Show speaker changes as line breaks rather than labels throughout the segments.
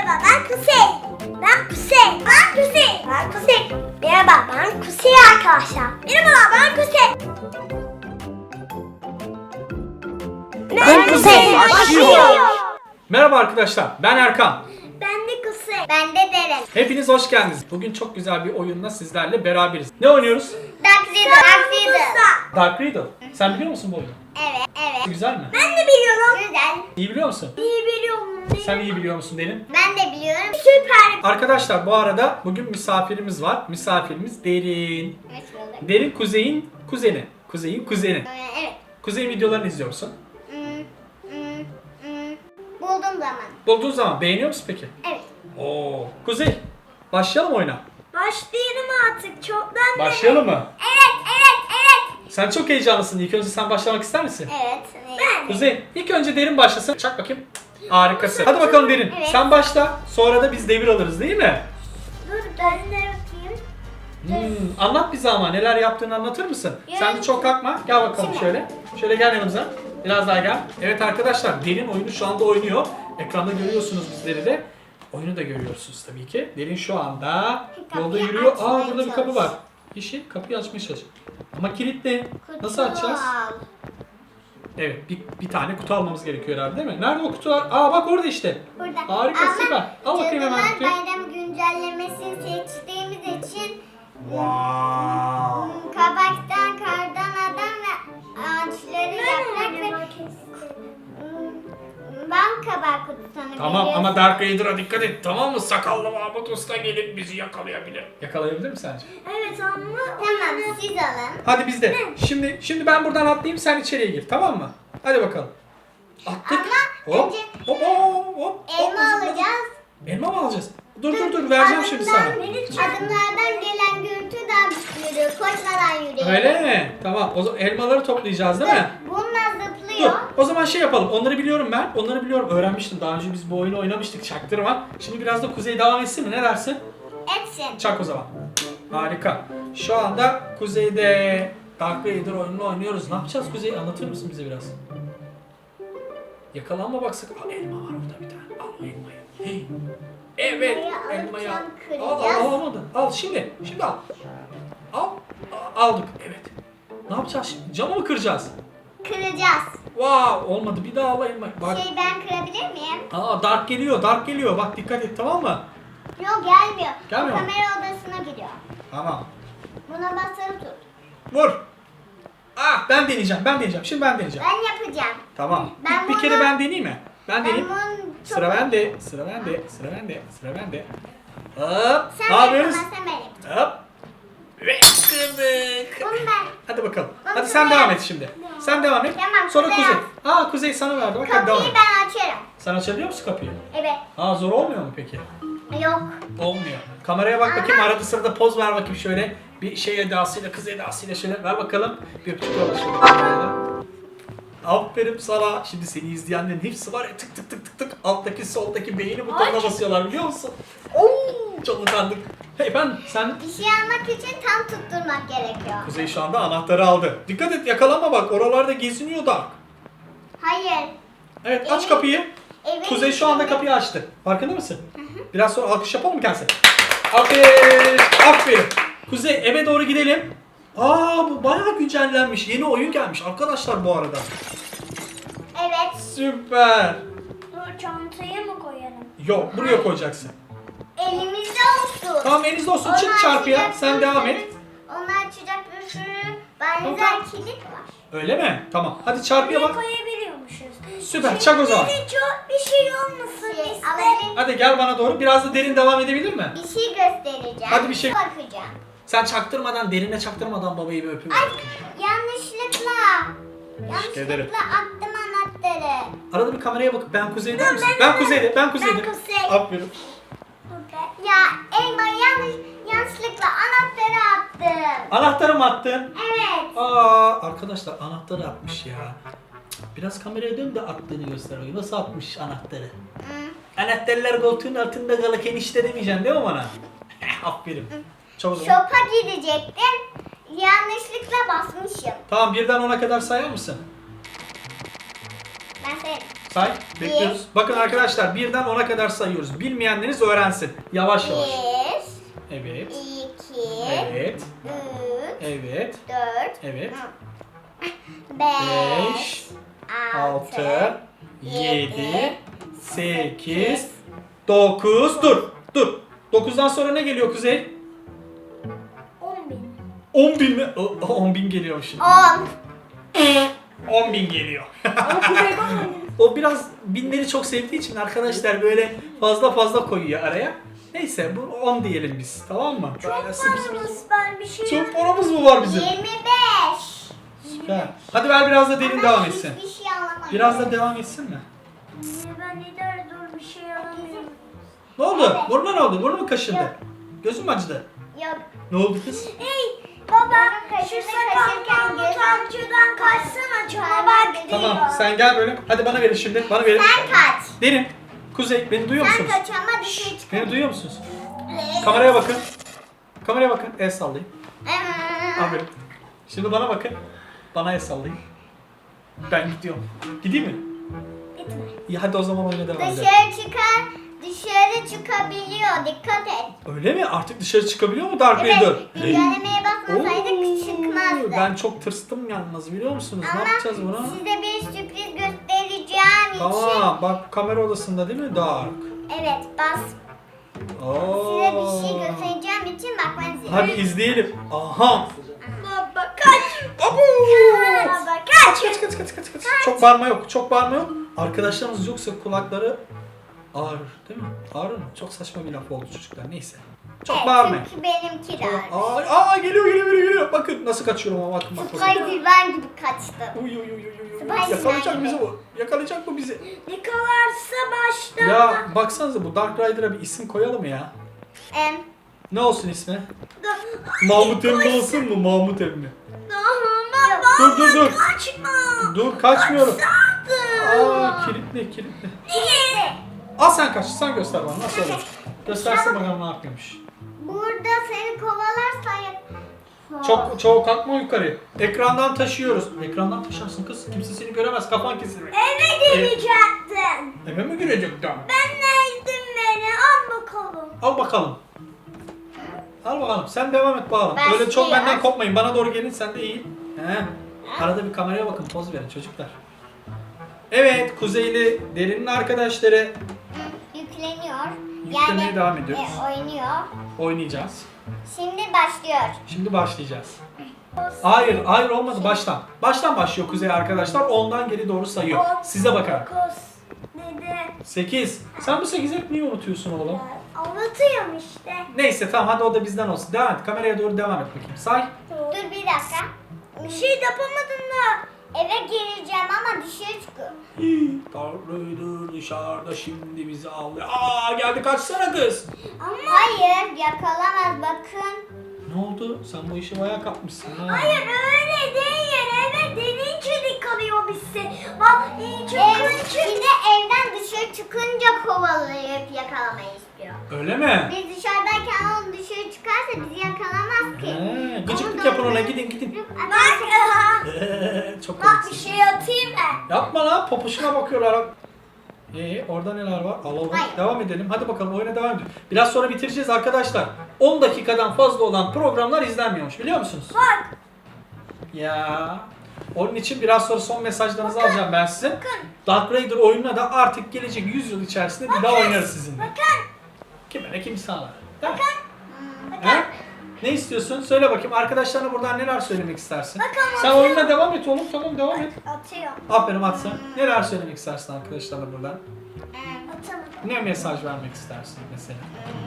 Merhaba ben Kuzey. Ben Kuzey. Ben Kuzey. Ben Kuzey. Merhaba ben Kuzey arkadaşlar. Merhabalar ben Kuzey. Ben Kuzey. Başlıyor.
Merhaba arkadaşlar, ben Erkan.
Ben de Kuzey. Ben de Deren.
Hepiniz hoş geldiniz. Bugün çok güzel bir oyunla sizlerle beraberiz. Ne oynuyoruz?
Dark Riddle.
Dark Riddle. Sen biliyor musun bu oyunu?
Evet.
Güzel mi?
Ben de biliyorum. Güzel.
İyi biliyor musun?
İyi biliyorum.
Sen iyi biliyor musun Derin?
Ben de biliyorum. Süper.
Arkadaşlar bu arada bugün misafirimiz var. Misafirimiz Derin. Derin Kuzey'in kuzeni. Kuzey'in kuzeni.
Evet.
Kuzey'in videolarını izliyor musun?
Buldum zaman.
Bulduğun zaman beğeniyor musun peki?
Evet.
Oo. Kuzey, başlayalım oyuna.
Başlayalım artık. Çoktan
Başlayalım mı?
Evet.
Sen çok heyecanlısın. İlk önce sen başlamak ister misin?
Evet. Ben.
Kuzey, ilk önce Derin başlasın. Çak bakayım. Harikasın. Hadi bakalım Derin.
Evet.
Sen başla. Sonra da biz devir alırız değil mi?
Dur ben de bakayım.
Anlat bize ama neler yaptığını anlatır mısın?
Yani-
Sen de çok kalkma. Gel bakalım
Şimdi.
şöyle. Şöyle gel yanımıza. Biraz daha gel. Evet arkadaşlar, Derin oyunu şu anda oynuyor. Ekranda görüyorsunuz bizleri de. Oyunu da görüyorsunuz tabii ki. Derin şu anda
Kapıyı
yolda yürüyor.
açmaya
Burada bir kapı
çalış.
var. Yeşil kapıyı açmaya çalış. Ama kilitli. Nasıl açacağız? Evet, bir tane kutu almamız gerekiyor herhalde değil mi? Nerede o kutular? Bak orada işte.
Burada.
Harika, süper. Al bakayım hemen
Cadılar
kutuyu.
Bayramı güncellemesini seçtiğimiz için
Wow.
kabaktan, kardan adam ve ağaçları yaprak ve bal kabağı kutusunu
Tamam
veriyoruz.
ama Dark Raider'a dikkat et, tamam mı? Sakallı Mahmut Usta gelip bizi yakalayabilir. Yakalayabilir mi sence?
Evet ama tamam siz alın.
Hadi biz de. Şimdi ben buradan atlayayım, sen içeriye gir, tamam mı? Hadi bakalım. Attık.
Ama
Hop.
önce
Hop.
elma alacağız.
Elma mı alacağız? Dur vereceğim şimdi sana.
Adımlardan gelen gürültü daha yürüyor. Koşmadan yürüyor.
Öyle mi? Tamam. O zaman elmaları toplayacağız değil mi?
Bununla
Dur.
zıplıyor.
O zaman şey yapalım. Onları biliyorum ben. Onları biliyorum. Öğrenmiştim. Daha önce biz bu oyunu oynamıştık. Çaktırma. Şimdi biraz da Kuzey devam etsin mi? Ne dersin?
Etsin.
Çak o zaman. Harika. Şu anda Kuzey'de Dark Raider oyununu oynuyoruz. Ne yapacağız Kuzey? Anlatır mısın bize biraz? Yakalanma bak sakın. Elma var orada bir tane. Al elmayı. Hey. Evet.
Elmayı
Elmayı al.
alacağım, kıracağız.
Almadın. Al şimdi. Şimdi al. Aldık. Evet. Ne yapacağız şimdi? Camı mı kıracağız?
Kıracağız.
Wow, olmadı. Bir daha al elmayı. Bak.
Ben kırabilir miyim?
Dark geliyor. Bak dikkat et, tamam mı?
Yok gelmiyor.
Gelmiyor mu?
Kamera odasına gidiyor.
Tamam.
Buna basılı tut.
Vur. Ben deneyeceğim. Şimdi ben deneyeceğim.
Ben yapacağım.
Tamam.
Ben
Bir kere
bunu-
ben deneyeyim mi? Ben deneyeyim.
bunun
Sıra bende. Hop.
Sen
Ne yapıyoruz?
yapamazsan ben yapacağım.
Hop. Ve kırdık.
Bunu ben.
Hadi bakalım.
Bunu
Hadi sen
ben-
devam et şimdi. Sen devam et.
Tamam,
Sonra
Kuzey
Kuzey.
yap.
Kuzey sana verdi. Bak hadi devam
Kapıyı
et.
ben açarım.
Sen açabiliyor musun kapıyı?
Evet.
Zor olmuyor mu peki?
Yok.
Olmuyor. Kameraya bak bakayım, arada sırada poz ver bakayım şöyle. Bir şey edasıyla, kız edasıyla şöyle ver bakalım. Bir öpücük yolla şöyle. Aferin sana. Şimdi seni izleyenlerin hepsi var ya, tık tık alttaki soldaki beğeni butonuna basıyorlar biliyor musun? Çok utandık. Hey sen
Bir şey almak için tam tutturmak gerekiyor.
Kuzey şu anda anahtarı aldı. Dikkat et, yakalanma bak, oralarda geziniyor da.
Hayır.
Evet, aç
Evet.
kapıyı.
Evet.
Kuzey şu anda kapıyı açtı. Farkında mısın? Biraz sonra alkış yapalım mı kendisi? Aferin. Kuzey, eve doğru gidelim. Bu bayağı güncellenmiş. Yeni oyun gelmiş arkadaşlar bu arada.
Evet.
Süper.
Dur çantaya mı koyalım?
Yok, buraya koyacaksın.
Elimizde olsun.
Tamam, elinizde olsun. Çık
Onu
çarpıya.
açacak
Sen
bir
devam
sürü-
et.
Onu açacak bir sürü benzer
Tamam.
kilit var.
Öyle mi? Tamam. Hadi çarpıya bak.
koyabiliyormuşuz.
Süper. Çak o zaman.
Çok bir şey olmasın isterim.
Hadi gel bana doğru. Biraz da Derin devam edebilir mi?
Bir şey göstereceğim.
Hadi bir şey-
Bakacağım.
Sen çaktırmadan, Derin'e çaktırmadan babayı bir öpün.
Ay yanlışlıkla.
ederim.
Yanlışlıkla attım anahtarı.
Arada bir kameraya bakıp ben Kuzey'de misin?
ben-
Ben Kuzey'de.
Ben Kuzey.
Aferin.
Ya elma yanlışlıkla anahtarı attım.
Anahtarı mı attın?
Evet.
Arkadaşlar anahtarı atmış ya. Biraz kameraya dön de attığını göster. Nasıl atmış anahtarı? Anahtarlar koltuğun altında kalırken işte demeyeceksin değil mi bana? Aferin. Çok güzel.
Şopa gidecektim. Yanlışlıkla basmışım.
Tamam, birden 10'a kadar sayar mısın?
Ben sayarım.
Say. Bekliyoruz. Bakın arkadaşlar birden 10'a kadar sayıyoruz. Bilmeyenleriniz öğrensin. Yavaş yavaş.
1,
Evet.
2,
Evet.
3,
Evet.
4,
Evet.
5,
6, 7, 8, 9. Dur. 9'dan sonra ne geliyor Kuzey?
10.000.
10.000 mi? 10.000 geliyor şimdi.
10.
10.000 geliyor. O biraz binleri çok sevdiği için arkadaşlar böyle fazla koyuyor araya. Neyse bu 10 diyelim biz, tamam mı?
Paramız var bir şey.
Çok paramız mı var bizim?
25.
Süper. Hadi ver biraz da derin devam etsin.
Hiçbir şey alamadım.
Biraz da devam etsin mi?
Ben idare dur bir şey alamıyorum.
Ne oldu?
Evet.
Burnuna ne oldu? Burnun mu kaşındı? Gözün mü acıdı?
Yok.
Ne oldu kız?
Hey baba şu sakaldan utancıdan kaçsana çaba bak.
Tamam sen gel böyle. Hadi bana verin şimdi. Bana verin.
Sen kaç.
Derin. Kuzey beni duyuyor
Sen
musunuz?
kaç ama dışarı çık.
Beni duyuyor musunuz? Kameraya bakın. Kameraya bakın. El sallayın. Aferin. Şimdi bana bakın. Bana el sallayın. Ben gidiyorum. Gideyim mi?
Gitme.
İyi hadi o zaman oyuna devam edelim.
Dışarı çıkabiliyor. Dikkat et.
Öyle mi? Artık dışarı çıkabiliyor mu Dark Vader?
Evet. Güncellemeye bakmasaydık çıkmazdı.
Ben çok tırstım yalnız biliyor musunuz?
Ama
Ne yapacağız buna?
size bir sürpriz göstereceğim için.
Tamam bak kamera odasında değil mi Dark?
Evet bas.
Oo.
Size bir şey göstereceğim için bakmanız lazım.
Hadi izleyelim. Aha.
Baba kaç.
Abu.
Baba kaç.
Kaç. Çok bağırma yok. Çok bağırma yok. Arkadaşlarımız yoksa kulakları ağrır değil mi? Ağrır mı? Çok saçma bir laf oldu çocuklar. Neyse. Çok
Evet,
bağırmayın.
çünkü benimki de ağrıyor.
Geliyor. Bakın nasıl kaçıyorum ama bakın.
Spider-Man gibi kaçtım.
Uy.
Spider-Man
Yakalayacak
gibi.
bizi bu. Yakalayacak bu bizi.
Yakalarsa başta.
Ya baksanıza bu Dark Rider'a bir isim koyalım ya. Ne olsun ismi? Mahmut Emmi olsun mu? Mahmut Emmi.
Baba
Dur.
kaçma.
Dur kaçmıyorum.
Kaçsaydın.
Aa kilitli.
Niye?
Al sen kaç. Sen göster bana nasıl olur. Göstersin bakalım ne yapıyormuş.
Burada seni kovalarsa
Çok kalkma yukarı. Ekrandan taşıyoruz. Ekrandan taşarsın kız. Kimse seni göremez. Kafan kesilir.
eve gelecektin.
Eve mi girecektim?
Ben neydim beni? Al bakalım.
Al bakalım. Al bakalım. Sen devam et bakalım.
Başlıyor.
Öyle çok benden kopmayın. Bana doğru gelin. Sen de iyi. He. Arada bir kameraya bakın. Poz verin çocuklar. Evet. Kuzeyli Derin'in arkadaşları
Yükleniyor.
Yüklemeye devam ediyoruz.
Oynuyor.
oynayacağız.
Şimdi başlıyor.
Şimdi başlayacağız. Hayır olmadı. Baştan. Baştan başlıyor Kuzey arkadaşlar. Ondan geri doğru sayıyor. Size bakar. 8. Sen bu 8'i hep niye unutuyorsun oğlum?
Anlatıyorum işte.
Neyse tamam hadi o da bizden olsun. Devam et. Kameraya doğru devam et bakayım. Say.
Dur bir dakika. Bir şey yapamadın da. Eve gireceğim ama dışarı çıkıyor.
Tanrı'dır dışarıda şimdi bizi avlıyor. Geldi kaçsana kız.
Ama hayır yakalamaz bakın.
Ne oldu? Sen bu işi bayağı kapmışsın ha.
Hayır öyle değil. Eve denince kalıyor bizi. Bak şimdi evden dışarı çıkınca kovalayıp yakalamayı istiyor.
Öyle mi?
Biz dışarıdayken o dışarı çıkarsa bizi yakalamaz ki.
Gıcıklık yapın ona gidin.
Bak.
Çok
Bak bir
komiksin.
şey atayım mı?
Yapma lan popuşuna bakıyorlar. Orada neler var? Alalım.
Hayır.
Devam edelim. Hadi bakalım oyuna devam edelim. Biraz sonra bitireceğiz arkadaşlar. 10 dakikadan fazla olan programlar izlenmiyormuş biliyor musunuz?
Bak.
Ya. Onun için biraz sonra son mesajlarınızı alacağım ben size.
Bakın.
Dark Raider oyununa da artık gelecek 100 yıl içerisinde bir daha oynarız sizinle.
Bakın.
Kime ne kim sağlar. Değil mi?
Bakın.
He? Ne istiyorsun? Söyle bakayım. Arkadaşlarına buradan neler söylemek istersin?
Bakın,
Sen
bakın.
oyununa devam et oğlum. Tamam devam et.
Atıyorum.
Aferin Atsa. Neler söylemek istersin arkadaşlarına buradan?
Atalım.
Ne mesaj vermek istersin mesela?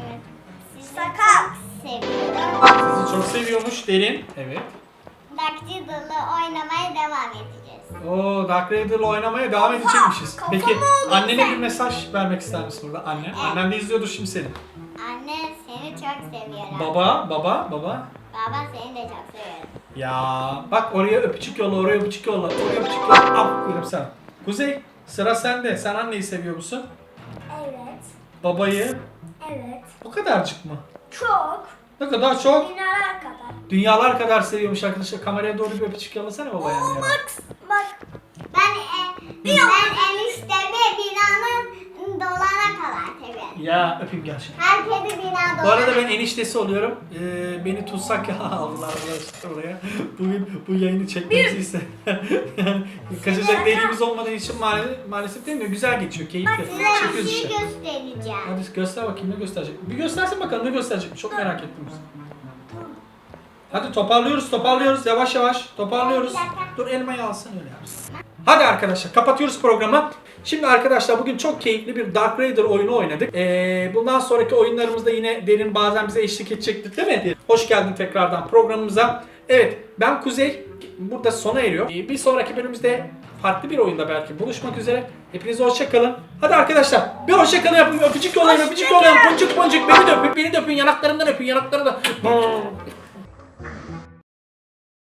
Sakal. Seviyorum.
Sizi çok seviyormuş Derin. Evet.
Dark Riddle'ı oynamaya devam edeceğiz.
Oo, Dark Raider'la oynamaya devam edecekmişiz.
kafam
Peki
oldu
annene
sen.
bir mesaj vermek ister misin burada? Anne.
Evet.
Annen de izliyordur şimdi seni.
Anne seni çok seviyorum.
Baba.
Baba seni de çok seviyorum.
Ya bak oraya öpücük yolla, oraya öpücük yolla, oraya öpücük yolla. Aferin sana. Kuzey sıra sende. Sen anneyi seviyor musun?
Evet.
Babayı.
Evet.
O kadarcık mı?
Çok.
Ne kadar çok?
Dünyalar kadar.
Dünyalar kadar seviyormuş arkadaşlar. Kameraya doğru bir öpücük yollasana babaya.
Bak. Ben eniştemi
Ya öpeyim gel şimdi.
Herkesi binada
Bu arada ben eniştesi oluyorum. Beni tutsak ya Allah Allah oraya. Bugün bu yayını çekmemizi ister. Yani kaçacak deliğimiz olmadığı için maalesef değil mi? Güzel geçiyor, keyifli.
Size bir
Çekiyoruz
şey
işte.
göstereceğim.
Hadi göster bakayım ne gösterecek. Bir göstersin bakalım ne gösterecek. Çok merak ettim. Hadi toparlıyoruz yavaş yavaş toparlıyoruz. Dur elmayı alsın öyle yapsın. Hadi arkadaşlar kapatıyoruz programı. Şimdi arkadaşlar bugün çok keyifli bir Dark Raider oyunu oynadık. Bundan sonraki oyunlarımızda yine Derin bazen bize eşlik edecektir değil mi? Hoş geldin tekrardan programımıza. Evet ben Kuzey burada sona eriyor. Bir sonraki bölümümüzde farklı bir oyunda belki buluşmak üzere. Hepinize hoşçakalın. Hadi arkadaşlar bir hoşçakalın yapın. Öpücük yollayın. Boncuk boncuk beni de öpün yanaklarımdan öpün yanaklarımdan.